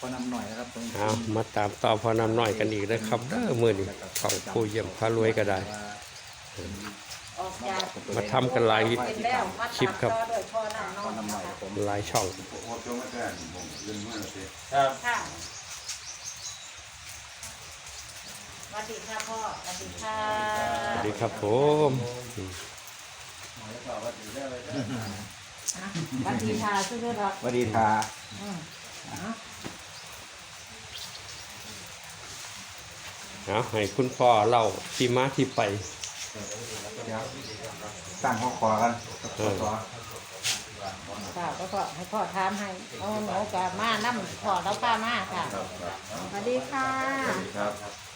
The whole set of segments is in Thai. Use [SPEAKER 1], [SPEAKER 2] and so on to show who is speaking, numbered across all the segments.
[SPEAKER 1] อนำหน่อยนะครับ
[SPEAKER 2] เอามาตามต่อพอนำหน่อยกันอีกนะครับมื้อนี้ของผู้เยี่ยมพารวยก็ได้มาทำกันหลายคลิปครับหลายช่อง
[SPEAKER 3] ครับ
[SPEAKER 4] ค่ะสวัสดีค่ะพ่อสวัสดีค่ะ
[SPEAKER 2] สวัสดีครับผม
[SPEAKER 4] สวัสดีค่ะซื้อๆหรอก
[SPEAKER 1] สวัสดีทา
[SPEAKER 2] เอาให้คุณพ่อเล่าที่มาที่ไป
[SPEAKER 1] ตั้งข้อคอกันข้อต่อ
[SPEAKER 4] ค่ะก็พ่อให้พ่อทามให้เอาหนูกับมาน้ำพ่อแล้วป้ามาค่ะสวัสดีค่ะ
[SPEAKER 1] ครับ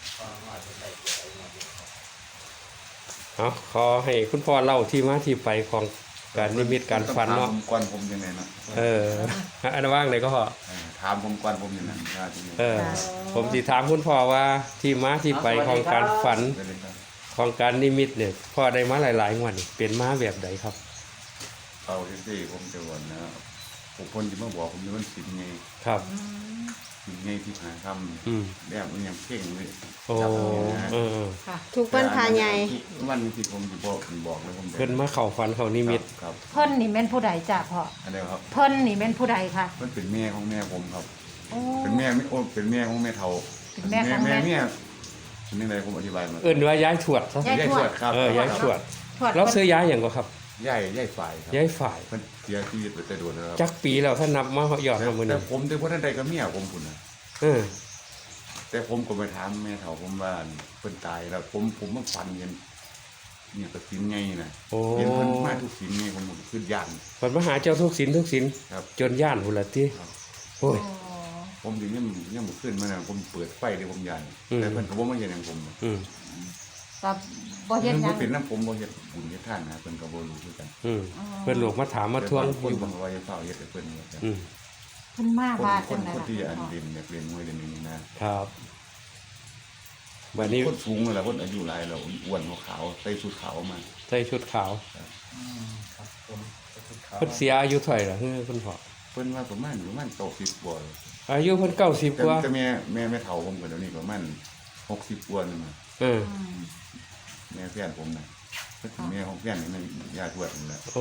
[SPEAKER 2] เอาขอให้คุณพ่อเล่าที่มาที่ไปของการนิมิตการฝันเนาะ
[SPEAKER 1] ก่อนผมยังไงนะ
[SPEAKER 2] อันว่างเลยก็พอ
[SPEAKER 1] ถามผมก่อนผมยังไงว่าที่นี่
[SPEAKER 2] ผมสิถามคุณพ่อว่าที่มาที่ไปของการฝัน
[SPEAKER 1] ไปเลยครับ
[SPEAKER 2] ของการนิมิตเนี่ยพ่อได้มาหลายๆงวดนี่เป็นมาแบบใดครับ
[SPEAKER 1] เอาที่ผมจะวันนะผมคนจะมาบอกผมมันสินไง
[SPEAKER 2] ครับ
[SPEAKER 1] สินไงที่หาค
[SPEAKER 2] อืม
[SPEAKER 1] ำแบบมันยังเพ่งเลย
[SPEAKER 2] โอ้
[SPEAKER 4] ค่ะ
[SPEAKER 5] ทุกวันพาใหญ่
[SPEAKER 1] วันที่ผมจะบอกเลยผม
[SPEAKER 2] เพิ่นมาเข้าฝันเข้านิมิต
[SPEAKER 1] ครับ
[SPEAKER 4] เพิ่นนี่เป็นผู้ใดจ้ะพ่อ
[SPEAKER 1] อะไรครับ
[SPEAKER 4] เพิ่นนี่เป็นผู้ใดค่ะ
[SPEAKER 1] มันเป็นแม่ของแม่ผมครับ
[SPEAKER 4] โอ้
[SPEAKER 1] เป็นแม่ไม่โอ้เป็นแม่ของแม่เฒ่า
[SPEAKER 4] เป็นแม่ของแม่
[SPEAKER 1] เนี่ยเป็นยังไงผมอธิบายมา
[SPEAKER 2] เอิ้นว่าย้ายถวดซะ
[SPEAKER 4] ย้ายทวด
[SPEAKER 1] ครับ
[SPEAKER 2] ย้ายถวด
[SPEAKER 4] ทวด
[SPEAKER 2] เราซื้อย้ายหยังก็ครับ
[SPEAKER 1] ย่ายฝ่ายครับ
[SPEAKER 2] ย้ายฝ่าย
[SPEAKER 1] มันเสียชีวิตไปแต่โดนแล้วครับ
[SPEAKER 2] จักปีแล้วถ้านับมาเหยอดมามื้อ
[SPEAKER 1] แต่
[SPEAKER 2] นี้
[SPEAKER 1] ผมแต่ว่าท่านใดก็เมียผมพุ่นนะ
[SPEAKER 2] เออ
[SPEAKER 1] แต่ผมก็ไปถามแม่เฒ่าผมว่าเพิ่นตายแล้วผมมาฟันเห็นเนี่ยก็สินไงนะ
[SPEAKER 2] โอ้
[SPEAKER 1] เห็นเพิ่นมาทุกสินไงผมขึ้นย่าน
[SPEAKER 2] เพิ่นมาหาเจ้าทุกสินทุกสิน
[SPEAKER 1] ครับ
[SPEAKER 2] จนย่านพุ่นละติ
[SPEAKER 1] ครับ
[SPEAKER 2] โอ้ย
[SPEAKER 1] ผมถึงยังบ่ขึ้นมานะผมเปิดไฟเลยผมย่าน
[SPEAKER 2] อืม
[SPEAKER 1] แต่เพิ่นก็บ่มาเห็นหยังผม
[SPEAKER 2] อืม
[SPEAKER 4] กับบ่เฮ็ดหยั
[SPEAKER 1] บ่
[SPEAKER 4] ง
[SPEAKER 1] เป็นน้ำผมบ่เฮ็ดบุญเฮ็ดทานนะเพิ่นก็บ่รู้คือกัน
[SPEAKER 2] อืมเพิ่นลูกมาถามมาทวง
[SPEAKER 1] ค
[SPEAKER 2] อน ยู่
[SPEAKER 1] บ
[SPEAKER 2] บ่
[SPEAKER 1] อกว่าจะเฝ้าเฮ็ดให้เพิ่นว่าซั่น
[SPEAKER 2] อืม
[SPEAKER 4] เพิ่นมาว่าจังได๋
[SPEAKER 1] คน
[SPEAKER 4] ล่ะ
[SPEAKER 1] ที่อันเรียนอยากเรียนมวยเรียนนี้นะครับ
[SPEAKER 2] บัดนี้
[SPEAKER 1] คนสูงนั่นแหละคนอายุหลายแล้วอ้วนขาวๆใส่ชุดขาวมา
[SPEAKER 2] ใส่ชุดขาว
[SPEAKER 3] ครับผม
[SPEAKER 2] เพิ่นเสียอายุเท่าไหร่ล่ะเฮ้ยคุณพ่อ
[SPEAKER 1] เพิ่นว่าประมาณ90กว่า
[SPEAKER 2] อายุเพิ่น90กว่า
[SPEAKER 1] แต่แม่เฒ่าผมก็เดี๋ยวนี้ประมาณ60กว่านึงนะ
[SPEAKER 2] เออ
[SPEAKER 1] แม่แฟนผมน่ะก็ถึงแม่ของแฟนนี่มันญาติทวดนั่นแหละ
[SPEAKER 2] โอ้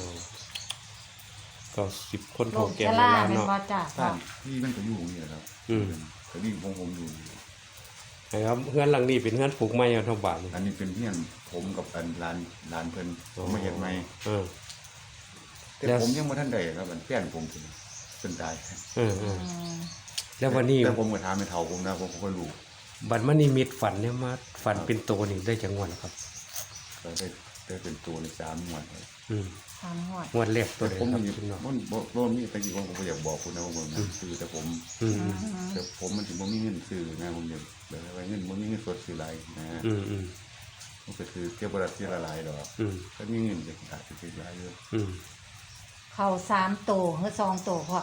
[SPEAKER 2] 90คน
[SPEAKER 4] โร
[SPEAKER 2] โท
[SPEAKER 4] ค
[SPEAKER 2] แก่
[SPEAKER 4] ช
[SPEAKER 2] โบ
[SPEAKER 4] รา
[SPEAKER 2] ราณ
[SPEAKER 4] แม่น
[SPEAKER 2] เนาะ
[SPEAKER 4] บ่จ้ะพ่อ
[SPEAKER 1] บ้านที่มันก็อยู่นี่แหละครับ
[SPEAKER 2] อืม
[SPEAKER 1] ก็นี่ผมอยู่
[SPEAKER 2] นะครับเฮือนหลังนี้เป็นเฮือนปลูกไม้เอาทั้งบ้านนี่
[SPEAKER 1] อันนี้เป็นเพื่อนผมกับอันร้านเพิ่นผมมาเฮ็ดใหม่
[SPEAKER 2] เออ
[SPEAKER 1] แต่
[SPEAKER 2] แล้ว
[SPEAKER 1] ผมยังบ่ทันได้ครับอันแฟนผมเพิ่นตาย
[SPEAKER 2] เออแล้ววันนี้
[SPEAKER 1] แต่ผมก็ถามแม่เฒ่าผมนะผมก็รู้
[SPEAKER 2] บัดมานิมิตฝันเนี่ยมาฝันเป็นโตนี่ได้จังหวัดครับ
[SPEAKER 1] ก็ได้เป็นตัวใน3งวดครับ
[SPEAKER 2] อืม
[SPEAKER 4] ทำหอด
[SPEAKER 2] งวดแรกตัว
[SPEAKER 1] แต่
[SPEAKER 2] ใด
[SPEAKER 1] ผม
[SPEAKER 2] ครับ
[SPEAKER 1] มี
[SPEAKER 2] พี่น้อง
[SPEAKER 1] มันบ่มีตะกี้ผมก็อยากบอกคุณนะว่าผมซื้อแต่ผม
[SPEAKER 2] อืม
[SPEAKER 1] แต่ผมมันถึงบ่มีเงินซื้อนะผมอยากแบบว่าเงินบ่มีเงินสดซื้อหลายนะ
[SPEAKER 2] อืมอืม
[SPEAKER 1] มันก็คือเก็บบ่ได้ทีละหลายดอก
[SPEAKER 2] อืม
[SPEAKER 1] ถ้ามีเงินจะอาจจะซื้อหลายอยู่
[SPEAKER 2] อืม
[SPEAKER 4] เข้า3โตหรือ2โตพ่อ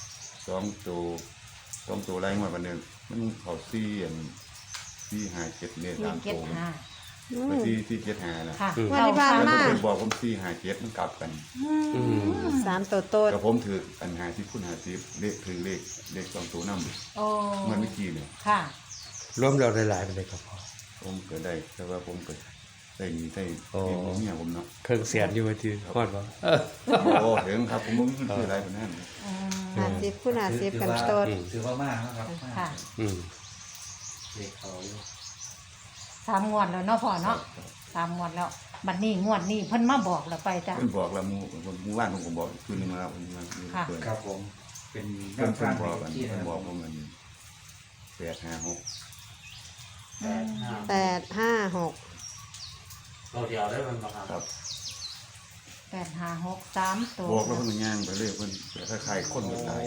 [SPEAKER 1] 2ตัวหลายงวดวันนึงมันเข้า4อัน4 5 7เนี่ย3ตัว
[SPEAKER 4] 475
[SPEAKER 1] ก็4 7 5นะ
[SPEAKER 4] ค่ะ
[SPEAKER 5] วันที่ผ่านมา
[SPEAKER 1] เพิ่นบอกผม4 5 7มันกลับกัน
[SPEAKER 2] อืม
[SPEAKER 5] 3ตัวโตด
[SPEAKER 1] ก็ผมถืออัน50คูณ50เลขถือเลข2ตัวนำ
[SPEAKER 4] โอ้
[SPEAKER 1] มันเมื่อกี้เนี่ย
[SPEAKER 4] ค่ะ
[SPEAKER 2] รวมแล้วหลายๆไปเลยครับพ่อ
[SPEAKER 1] ผมก็ได้แต่ว่าผมก็ได้มีได้
[SPEAKER 2] โอ้
[SPEAKER 1] เลี้ยงเมียผมเนาะ
[SPEAKER 2] เครื่องเสียนอยู่ว่าที่ฮอดบ่เออ
[SPEAKER 1] โอ้ถึงครับผมบ่มีเงินซื้ออะไรปานนั้น
[SPEAKER 5] 50คูณ50กันโตด
[SPEAKER 3] ถือว่ามากนะครับ
[SPEAKER 4] ค่ะ
[SPEAKER 2] อืม
[SPEAKER 3] เด็กเขาอยู่
[SPEAKER 4] 3งวดแล้วเนาะพ่อเนาะ3งวดแล้วบัดนี้งวดนี้เพิ่นมาบอกแล้วไปจ้ะ
[SPEAKER 1] เพิ่นบอกแล้วหมู่บ้านผมก็บอกคืนนึงแล้วเพิ่นมา
[SPEAKER 4] ค่ะ
[SPEAKER 1] เพิ่น
[SPEAKER 3] ครับผมเป็น
[SPEAKER 1] เพิ่น
[SPEAKER 3] ข้าง
[SPEAKER 1] บอก
[SPEAKER 3] ๆ
[SPEAKER 1] กัน
[SPEAKER 3] ที่
[SPEAKER 1] เพิ่
[SPEAKER 3] นะ
[SPEAKER 1] น
[SPEAKER 3] ค
[SPEAKER 1] บอ
[SPEAKER 3] รั
[SPEAKER 1] ก
[SPEAKER 3] บ
[SPEAKER 1] ผมมัน856
[SPEAKER 5] 856
[SPEAKER 3] เราเดียวได้มันมาค
[SPEAKER 1] ครั
[SPEAKER 3] รับบ
[SPEAKER 4] 856 3ตัว
[SPEAKER 1] บอกแล้วเพิ่นก็ย่างไปเลยเพิ่นคล้ายๆคนก็ตาย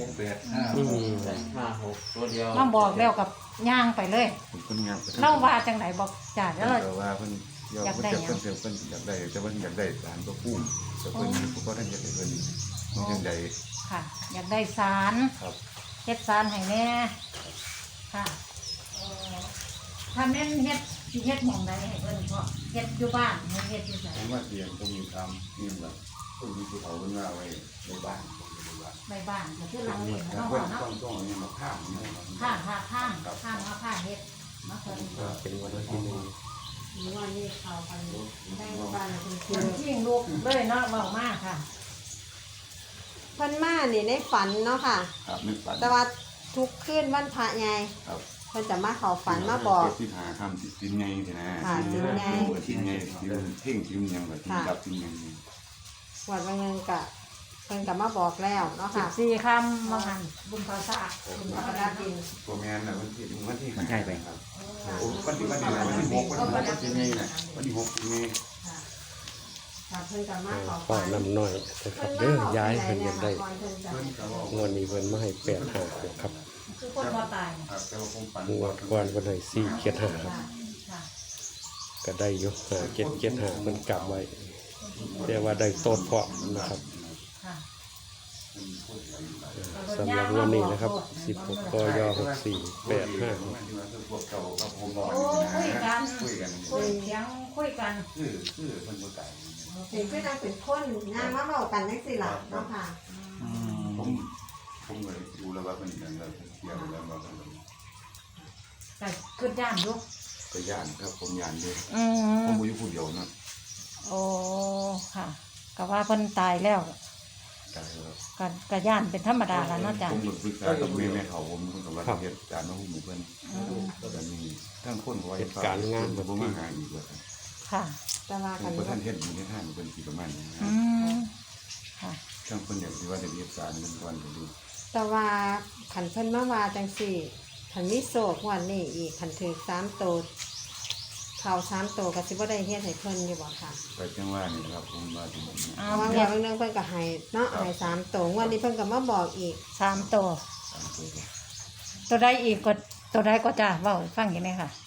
[SPEAKER 3] 856ตัวเดียว
[SPEAKER 4] มาบอกแล้วกับย่างไปเลย
[SPEAKER 1] ผมเพิ่นย่างไป
[SPEAKER 4] เล่าว่าจังไหนบอกจ้ะแล้วเรา
[SPEAKER 1] แต่ว่าเพิ่นอยากได้เพิ่นอยากได้แต่ว่าอยากได้สารตัวพุ่มแต่เพิ่นก็ท่านอยากได้เพิ่นมันจังได๋
[SPEAKER 4] ค่ะ อยากได้สาร
[SPEAKER 1] ครับ
[SPEAKER 4] เฮ็ดสารให้แน่ค่ะถ้าแม่นเฮ็ดสิเฮ็ดหม่องใดให้เพิ่นพ่อเฮ็ดอยู่บ้านให้เฮ็ดอยู่ไส
[SPEAKER 1] ผมว่าเตียงผมมีทำนี่แบบคนมีผู้เฒ่าเพิ่นว่าไว้ในบ้านผมในบ้าน
[SPEAKER 4] ใบบ้านก็คือหลังเล็ก
[SPEAKER 1] แต่
[SPEAKER 4] เนาะ
[SPEAKER 1] เพิ่น
[SPEAKER 4] เนาะ
[SPEAKER 1] ต้องเอาเนี่ยมาข้ามเนี่ย
[SPEAKER 4] ข้างมาผ้าเฮ็ดมาเพิ่น
[SPEAKER 2] เป็นวันที่หนึ่ง
[SPEAKER 5] หรือว่านี่เขากันได้บ้านคุณครู
[SPEAKER 4] เพิ่นชิงลูกเลยเนาะเว้ามากค่ะ
[SPEAKER 5] เพิ่นมานี่ในฝันเนาะค่ะ
[SPEAKER 1] ครับนึกฝัน
[SPEAKER 5] แต่ว่าทุกคืนวันพระใหญ่
[SPEAKER 1] ครับ
[SPEAKER 5] เพิ่นจะมาเข้าฝันมาบอก
[SPEAKER 1] ที่หาข้ามสินไงสินะ
[SPEAKER 5] ค่ะสินไง
[SPEAKER 1] สินไงสินเพ่งสินยังแบบสินกับสินไง
[SPEAKER 5] วันวันหนึงก็เพิ่นก็มาบอกแล้วเนาะค่ะ
[SPEAKER 4] 14คำว่างั้นบุญภาษาบุญภาษาดิน
[SPEAKER 1] ตัวแมนน่ะวันที่
[SPEAKER 3] มันใช่ไป
[SPEAKER 1] ครับ โอ้วันที่6วันที่ไงน่ะวันที่6ไง
[SPEAKER 5] ค่ะเพิ่นก็มาเข้า
[SPEAKER 2] พ่อ
[SPEAKER 5] ฝัน
[SPEAKER 2] น้ำน้อยนะครับเด้อย้ายเพิ่นอยากได้
[SPEAKER 5] เพิ่นจะ
[SPEAKER 1] เพิ่นก็บอก
[SPEAKER 2] งวดนี้เพิ่นมาให้8-5ครับ
[SPEAKER 4] คือคนบ่ตาย
[SPEAKER 1] ครับแต่ว่าผมฝัน
[SPEAKER 2] งวดก่อนเพิ่นให้4-7-5ครับ
[SPEAKER 4] ค่ะ
[SPEAKER 2] ก็ได้อยู่5-7-7-5เพิ่นกลับไว้แต่ว่าได้โตดเพาะนะครับ
[SPEAKER 4] ค่ะ
[SPEAKER 2] สำหรับงวันนี้นะครับ16กย6485
[SPEAKER 1] พวกเก่ากับผมบอก
[SPEAKER 4] โอ้คุยกัน
[SPEAKER 1] คุยกัน
[SPEAKER 4] คุยเสียงคุยกัน
[SPEAKER 1] คือเพิ่นบ่ตาย
[SPEAKER 5] เห็นคือจังเป็นคนงานมาเว้ากันจังซี่ล่ะเนาะค่ะ
[SPEAKER 1] ผมเลยดูแล้วว่าเป็นอย่างไรเสียไปแล้วว่าเป็น
[SPEAKER 4] แต่ขึ้นย่านอยู่
[SPEAKER 1] ก็ย่านครับผมย่านด้วย
[SPEAKER 4] อื
[SPEAKER 1] ผม
[SPEAKER 4] ม
[SPEAKER 1] บ่อยู่ผู้เดียวนะ
[SPEAKER 4] โอ้ค่ะก็ว่าเพิ่นตายแล้ว
[SPEAKER 1] ตายแล้ว
[SPEAKER 4] ก็ย่านเป็นธรรมดาแล้วเนาะจ้ะ
[SPEAKER 1] ผมปรึกษากับแม่เขาผมเพิ่นก็ว่าเฮ็ดการมาหุ้มเพิ่นก็มีทั้งคนก็ว่าบ่มาหาอีกว่า
[SPEAKER 4] ค่ะ
[SPEAKER 5] แต่ว่า
[SPEAKER 1] ผ
[SPEAKER 5] กั
[SPEAKER 1] ม
[SPEAKER 5] น
[SPEAKER 1] บ่ทันเฮ็ดอยู่ในทางเพิ่นสิประมาณนี้
[SPEAKER 4] อืมค่ะ
[SPEAKER 1] ทั้งเพิ่นอยากสิว่าได้เฮ็ดการเพิ่นก่อนก็ดู
[SPEAKER 5] แต่ว่าขันเพิ่นมาว่าจังซี่ขันมีโศกวันนี้อีกขันถือ3โตวเข้า3โตวก็สิบ่ได้เฮ็ดให้เพิ่นอยู่บ่ค่ะ
[SPEAKER 1] ก็จังว่านี่ครับผมว่าที่นี่
[SPEAKER 4] เอา
[SPEAKER 5] เพราะว่า
[SPEAKER 4] เดี๋
[SPEAKER 5] เมื่
[SPEAKER 4] ย
[SPEAKER 5] อ
[SPEAKER 4] ว
[SPEAKER 5] เพิ่นก็ให้เนาะให้3โตววันนี้เพิ่นก็มาบอกอีก
[SPEAKER 4] 3ตัว
[SPEAKER 1] 3ตัว
[SPEAKER 4] ตัวใดอีกก็ตัวใดก็จ้ะเว้าให้ฟังอีกไหมค่ะ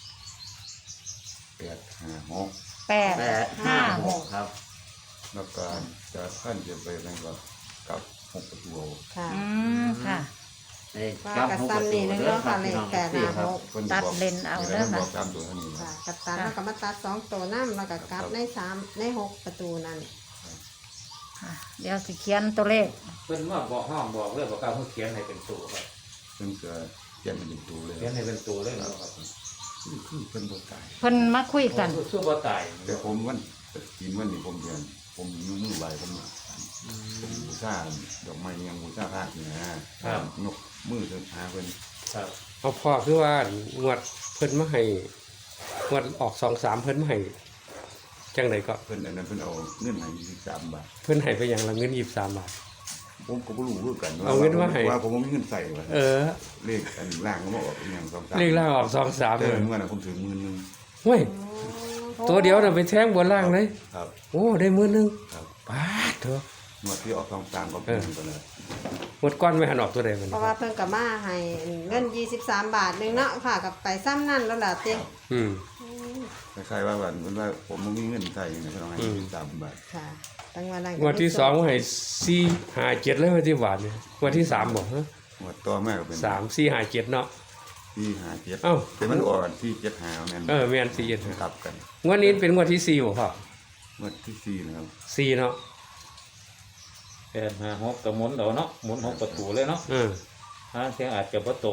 [SPEAKER 1] 856
[SPEAKER 4] 856
[SPEAKER 3] ครับ
[SPEAKER 1] แล้วก็จะขั้นจะไปนั่นก็กับ6ประตู
[SPEAKER 5] ค่ะ
[SPEAKER 4] อืมค่ะ
[SPEAKER 5] ว่ากับซ้ำนี่นึงเนาะค่ะเลข856
[SPEAKER 4] ตัดเลนเอาเด้อค่ะ
[SPEAKER 1] บอกตามตัวเท่านี้
[SPEAKER 5] ค่ะกับตันแล้วก็มาตัด2โตวนำแล้วก็กลับใน3ใน6ประตูนั่น
[SPEAKER 4] ค่ะเดี๋ยวสิเขียนตัวเลข
[SPEAKER 3] เพิ่นมาบอกห้องบอกเรื่องบอกการเขาเขียนให้เป็นตัวครับ
[SPEAKER 1] เพิ่นก็เขียนเป็นตัวเลย
[SPEAKER 3] เขียนให้เป็นตัวเลยเนาะครับ
[SPEAKER 1] คือเพิ่นบ่ตาย
[SPEAKER 4] เพิ่นมาคุยกัน
[SPEAKER 3] สู้บ่ตาย
[SPEAKER 1] แต่ผมวันกินวันนี้ผมเดือนผมมือไหวผมบูชาดอกไม้ยังบูชาพระนี่นะยกมือเดินหาเพิ่น
[SPEAKER 3] ครับ
[SPEAKER 2] เอาพ่อคือว่างวดเพิ่นมาให้งวดออก2-3เพิ่นมาให้จังไดก็
[SPEAKER 1] เพิ่นอันนั้นเพิ่นเอาเงินให้23 บาท
[SPEAKER 2] เพิ่นให้ไปอย่างละเงิน23บาท
[SPEAKER 1] ผมก็บ่รู้คือกัน
[SPEAKER 2] เอาเงินมาให้
[SPEAKER 1] ว่าผมบ่มีเงินใส่ว่า
[SPEAKER 2] เออ
[SPEAKER 1] เลขอันล่างก็มาออกอีหยัง2-3
[SPEAKER 2] เลขล่างออก2-3
[SPEAKER 1] แต่
[SPEAKER 2] เลย
[SPEAKER 1] เมื่อน่ะผมถึง10,000นึง
[SPEAKER 2] เฮ้ยตัวเดียวน่ะไปแทงบนล่างเลย
[SPEAKER 1] ครับ
[SPEAKER 2] โอ้ได้มื้อนึง
[SPEAKER 1] ครับ
[SPEAKER 2] ปาดเถอะ
[SPEAKER 1] งวดที่ออก2-3ก็เป็นกันเลย
[SPEAKER 2] หมดก้อนไม่หันออกตัวใดมัน
[SPEAKER 5] เพราะว่าเพิ่นก็มาให้เงิน23 บาทนึงเนาะค่ะกับไปซ้ำนั่นแล้วล่ะติ
[SPEAKER 2] อืม
[SPEAKER 1] คล้ายๆว่าวันเพิ่นว่าผมบ่มีเงินใส่นี่เพิ่นเอาให้23 บาท
[SPEAKER 5] ค่ะตั้งว่านั้น
[SPEAKER 2] งวดที่2ให้4-5-7เลยวันที่บาทเนี่ยงวดที่3บ่ฮะ
[SPEAKER 1] งวดต่อมาก็เป็น
[SPEAKER 2] 3-4-5-7เนาะ
[SPEAKER 1] 4-5-7
[SPEAKER 2] เอ้า
[SPEAKER 1] แต่มันออกกันที่7-5แม่น
[SPEAKER 2] เออแม่น4-7
[SPEAKER 1] กลับกัน
[SPEAKER 2] งวดนี้เป็นงวดที่4บ่พ่อง
[SPEAKER 1] วดที่4นะครับ
[SPEAKER 2] 4เนาะ
[SPEAKER 3] 856ก็หมุนเอาเนาะหมุน6ประตูเลยเนาะ
[SPEAKER 2] เออ
[SPEAKER 3] ทางเสียงอาจจะบ่ตรง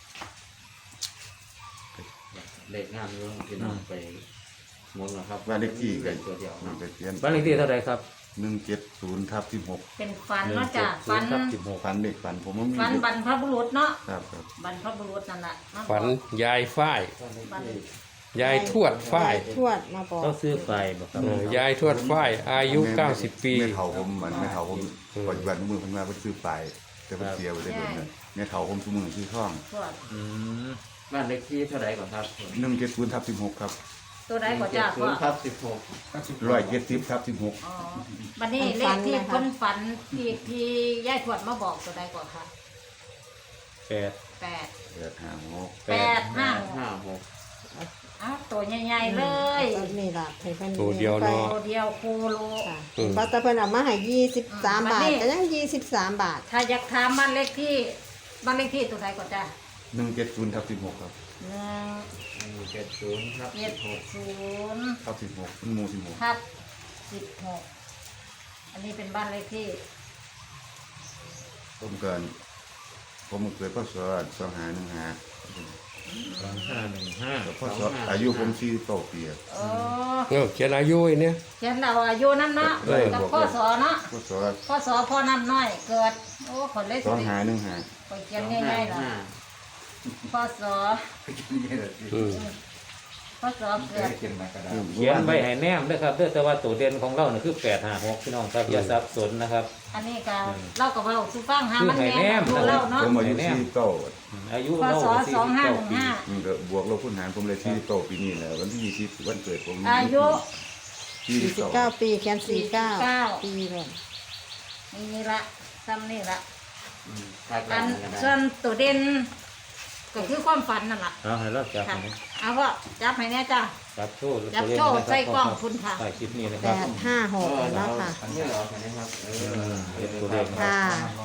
[SPEAKER 3] เลขงามอยู่พี่น้องไปหมุนนะครับ
[SPEAKER 1] บ้านเลขที่ก็
[SPEAKER 3] ตัวเดียว
[SPEAKER 1] มันก็เขียน
[SPEAKER 3] บ้านเลขที่เท่าไหร่ครับ
[SPEAKER 1] 170/16
[SPEAKER 4] เป็นฟันเนาะจ้ะฟัน
[SPEAKER 1] ฟันเด็กฟันผมบ่มี
[SPEAKER 4] ฟันบรรพบุรุษเนาะ
[SPEAKER 1] ครับครับ
[SPEAKER 4] บรรพบุรุษนั่นแหละมาบอก
[SPEAKER 2] ฝันยายฝ้าย
[SPEAKER 4] ฟัน
[SPEAKER 2] ยายทวดฝ้าย
[SPEAKER 5] ทวดมาบอก
[SPEAKER 3] เขาซื้อไฟบ่ครับ
[SPEAKER 2] ยายทวดฝ้ายอายุ90 ปี
[SPEAKER 1] แม่เฒ่าผมมันแม่เฒ่าผมปัจจุบันมือเพิ่นว่าเพิ่นซื้อไปแต่เพิ่นเสียไปได้เบิ่นแม่เฒ่าผมซุมื้อซื้อทอง
[SPEAKER 4] ทวด
[SPEAKER 3] อืมบ้านเลขที่เท่าไหร่ก่อนครับ
[SPEAKER 1] 170/16ครับ
[SPEAKER 4] ตัวใดก็จ้ะพ่อ
[SPEAKER 3] ครับ16
[SPEAKER 1] 170/16
[SPEAKER 4] อ๋อบัดนี้เลขที่เพิ่นฝันที่ยายทวดมาบอกตัวใดก่อนคะ
[SPEAKER 3] 8
[SPEAKER 4] 8
[SPEAKER 1] 856
[SPEAKER 4] อ้าวตัวใหญ่ๆเลย
[SPEAKER 5] ตัวนี้ล่ะให้เพิ่น
[SPEAKER 2] ตัวเดียวเนาะ
[SPEAKER 4] ตัวเดียวโคโล
[SPEAKER 5] ค่ะเพราะแต่เพิ่นเอามาให้23 บาทก็ยัง23 บาท
[SPEAKER 4] ถ้าอยากถามบ้านเลขที่ตัวใดก่อนจ้ะ
[SPEAKER 1] 170/16ครับ
[SPEAKER 3] 70ครับ
[SPEAKER 4] 170
[SPEAKER 1] ครับ16มันหมู่16
[SPEAKER 4] ทับ16อันนี้เป็นบ้านเลขที่
[SPEAKER 3] ต
[SPEAKER 1] ผมเกิดพศ2515
[SPEAKER 3] 2515
[SPEAKER 1] พศอายุผม49 ปีอะ
[SPEAKER 4] โอ้
[SPEAKER 2] เขียนอายุไอ้เนี่ย
[SPEAKER 4] เขียนเราอายุน้ำเนาะ
[SPEAKER 2] เออ
[SPEAKER 4] กับพ่อสอเนาะ
[SPEAKER 1] พศ
[SPEAKER 4] พ่อน้ำน้อยเกิดโอ้คนเลยสิ
[SPEAKER 1] 2515
[SPEAKER 4] ไปเขียนง่ายๆล่ะพ่อสอ
[SPEAKER 2] อืม
[SPEAKER 4] พ่อสอเกิด
[SPEAKER 3] เขียนไว้ให้แนมด้วยครับเด้อแต่ว่าตัวเด่นของเราเนี่ยคือ856พี่น้องครับอย่าสับสนนะครับ
[SPEAKER 4] อันนี้ก็เล่ากับเราสุฟังหามัน
[SPEAKER 3] คือให้
[SPEAKER 4] แน่
[SPEAKER 3] แนม
[SPEAKER 4] ดูเล่าเนาะ
[SPEAKER 1] ผมอายุ49
[SPEAKER 3] อายุ
[SPEAKER 4] พ่อ
[SPEAKER 3] เรา
[SPEAKER 4] สอ
[SPEAKER 3] 49ปี
[SPEAKER 4] 2515
[SPEAKER 1] มันก็บวกลบคูณหารผมเลย49ปีนี้แหละวันที่20วันเกิดผม
[SPEAKER 4] อายุ
[SPEAKER 5] 49 ปีแคน49 ปีเลย
[SPEAKER 4] นี่ละซ้ำนี่ละ
[SPEAKER 3] ถ้า
[SPEAKER 4] อั
[SPEAKER 3] กัน
[SPEAKER 4] นส่วนตัวเด่นก็คือความฝันนั่นล่ะ
[SPEAKER 3] เอาให้เราจับ
[SPEAKER 4] ค่ะ
[SPEAKER 3] ให้
[SPEAKER 4] เอาพ่อจับให้แน่จ้า
[SPEAKER 3] จับโชว์
[SPEAKER 4] จับโชว์ใส่กล้องคุณค่ะ
[SPEAKER 3] ใส่คลิปนี้นะครับ
[SPEAKER 5] 856แล้วค่ะ
[SPEAKER 3] อันนี้เหรออันนี้ครับเป็นตัวเลข
[SPEAKER 5] ค่ะ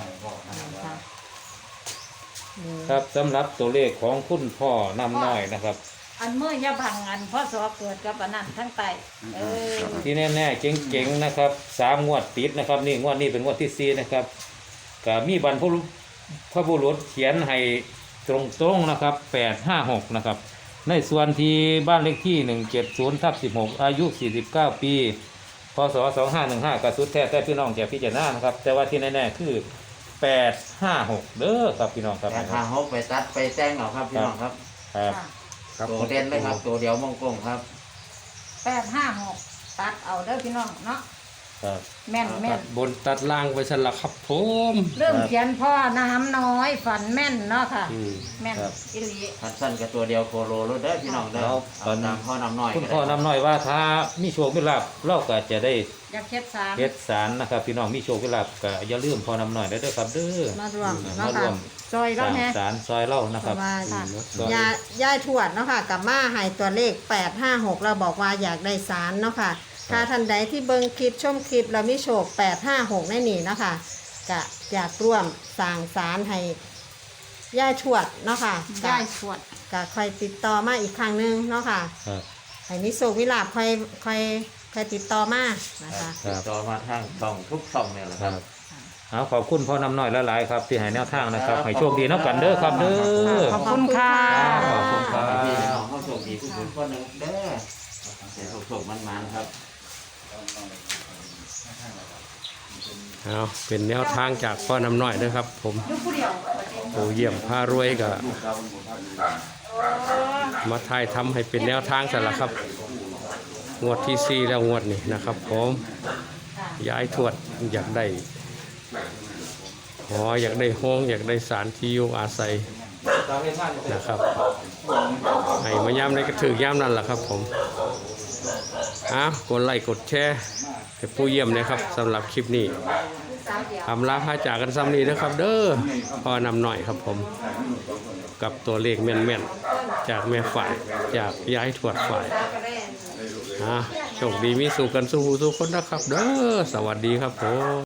[SPEAKER 3] ครับสำหรับตัวเลขของคุณพ่อนำน้อยนะครับ
[SPEAKER 4] อันเมื่อยาบังอันพ่อสอเกิดกับอันนั้นทั้งไตเออ
[SPEAKER 3] ที่แน่ๆเจ๋งๆนะครับ3 งวดติดนะครับนี่งวดนี้เป็นงวดที่4นะครับก็มีบรรพบุรุษเขียนให้ตรงๆนะครับ856นะครับในส่วนที่บ้านเลขที่170/16อายุ49 ปีพศ2515กระสุดแท้แต่พี่น้องแก่พิจารณานะครับแต่ว่าที่แน่ๆคือ856เด้อครับพี่น้องครับ
[SPEAKER 6] แต่ทางเขาไปตัดไปแจ้งเอาครับพี่น้องครับ
[SPEAKER 3] ครับ
[SPEAKER 4] ค่ะ
[SPEAKER 6] ตัวเด่นเลยครับ ตัวเดียวมงกงครับ
[SPEAKER 4] 856ตัดเอาเด้อพี่น้องเนาะ
[SPEAKER 3] ครับ
[SPEAKER 4] แม่นแม่
[SPEAKER 2] ตั
[SPEAKER 4] น
[SPEAKER 2] ดบนตัดล่างไปสละครับผม
[SPEAKER 4] เริ่มเขียนพ่อน้ำน้อยฝันแม่นเนาะค่ะ
[SPEAKER 2] อืม
[SPEAKER 4] แม่นอิลี
[SPEAKER 6] ทัดสั้นกับตัวเดียวโคโลรถเด้อพี่น้องเด้อเอาตามพ่อนำหน่อย
[SPEAKER 3] คุณ
[SPEAKER 6] ก็
[SPEAKER 3] พ่อ
[SPEAKER 6] ได้
[SPEAKER 3] นำหน่อยว่าถ้ามีโชคมีลาภเราก็จะได้
[SPEAKER 4] อยากเฮ็ดสาร
[SPEAKER 3] เฮ็ดสารนะครับพี่น้องมีโชคมีลาภก็อย่าลืมพ่อนำหน่อยได้เด้อครับเด้อ
[SPEAKER 5] มารวม
[SPEAKER 3] มา
[SPEAKER 5] เนาะ
[SPEAKER 3] ร่
[SPEAKER 5] ค่ะ
[SPEAKER 3] วม
[SPEAKER 5] จอย
[SPEAKER 3] ส
[SPEAKER 5] แล้ว
[SPEAKER 3] ร้าง
[SPEAKER 5] แฮะ
[SPEAKER 3] สารซอยเล่านะ
[SPEAKER 5] เพ
[SPEAKER 3] ครับ
[SPEAKER 5] ราะว่า
[SPEAKER 3] ซอย
[SPEAKER 5] ยายทวดเนาะค่ะกับมาให้ตัวเลข856เราบอกว่าอยากได้สารเนาะค่ะถ้าท่านใดที่เบิ่งคลิปชมคลิปเรามีโชค856ในนี่เนาะค่ะก็อยากร่วมสร้างสารให้ยายทวดเนาะค่ะ
[SPEAKER 4] ได้สวด
[SPEAKER 5] ก็ค่อยติดต่อมาอีกครั้งหนึงเนาะค่ะ
[SPEAKER 3] ครับ
[SPEAKER 5] ให้มีโชคมีลาภค่อยติดต่อมานะคะ
[SPEAKER 3] ครับ
[SPEAKER 6] ต่อมาทางช่องทุกช่องเนี่ยแหละ
[SPEAKER 3] ค
[SPEAKER 6] ค
[SPEAKER 3] รั
[SPEAKER 6] รั
[SPEAKER 3] บบ เอาขอบคุณพ่อนำหน่อยหลายๆครับที่ให้แนวทางนะครับให้โชคดีนับกันเด้อครับเด้อ
[SPEAKER 4] ขอบคุณค่ะ
[SPEAKER 3] ขอบคุณครับ
[SPEAKER 6] พี่น้องเขาโชคดีผู้บุญคนหนึ่งเด้อเสียโชคมันๆครับ
[SPEAKER 2] เอาเป็นแนวทางจากพ่อนำหน่อยนะครับ ผม
[SPEAKER 4] อยู่ผู้เดียว
[SPEAKER 2] ปู่เยี่ยมพารวยก็มาถ่ายทำให้เป็นแนวทางสละครับ งวดที่ 4 แล้วงวดนี้นะครับ ผมย้ายทวดอยากได้อยากได้ห้องอยากได้สารที่อยู่อาศัยนะครับให้มาย้ำในกระถือย่ำนั่นแหละครับ ผมกดไลค์กดแชร์ให้ผู้เยี่ยมนะครับสำหรับคลิปนี้ทำลาพาจากกันซ้ำนี้นะครับ เด้อพอนำหน่อยครับผม กับตัวเลขแม่นๆจากแม่ฝ่ายจากย้ายทวดฝ่ายโชคดีมีสู่กันสู้คนนะครับ เด้อสวัสดีครับผม